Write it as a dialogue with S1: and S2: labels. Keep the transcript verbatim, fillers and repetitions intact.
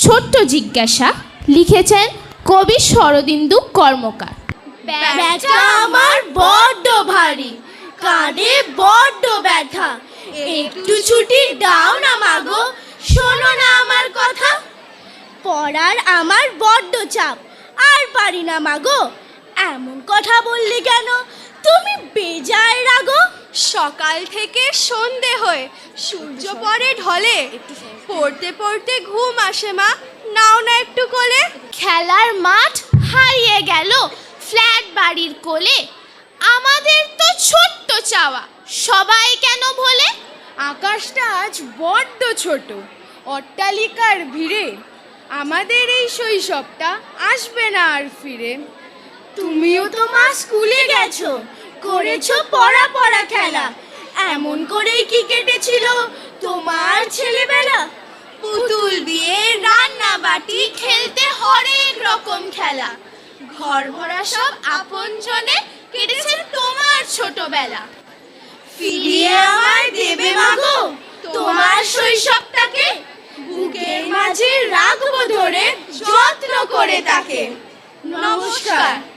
S1: ছোট্ট জিজ্ঞাসা লিখেছেন কবি শরদিন্দু কর্মকার।
S2: ব্যাটা আমার বড্ড ভারী, কাঁধে বড্ড ব্যথা, একটু ছুটি দাও না মাগো, শোনো না আমার কথা। পড়ার আমার বড্ড চাপ, আর পারি না মাগো। এমন কথা বললে কেন, তুমি বেজায় রাগো।
S3: সকাল থেকে সন্ধে হয়ে সূর্য পরে ঢলে, পড়তে পড়তে ঘুম আসে মা, নাও না একটু কোলে।
S1: খেলার মাঠ হারিয়ে গেল ফ্ল্যাট বাড়ির কোলে, আমাদের তো ছোট্ট চাওয়া সবাই কেন ভোলে।
S3: আকাশটা আজ বড্ড ছোট, অট্টালিকার ভিড়ে আমাদের এই শৈশবটা আসবে না আর ফিরে।
S2: তুমিও তো মা স্কুলে গেছো, করেছো পড়া পড়া খেলা, এমন করেই কি কেটেছিল তোমার ছেলেবেলা? পুতুল বিয়ে, রান্না বাটি, খেলতে হরেক রকম খেলা, ঘর ভরা সব আপনজনে কেটেছে তোমার ছোটবেলা। ফিরিয়ে আমায় দেবে মাগো তোমার শৈশবটাকে, বুকের মাঝে রাখবো ধরে যত্ন করে তাকে। নমস্কার।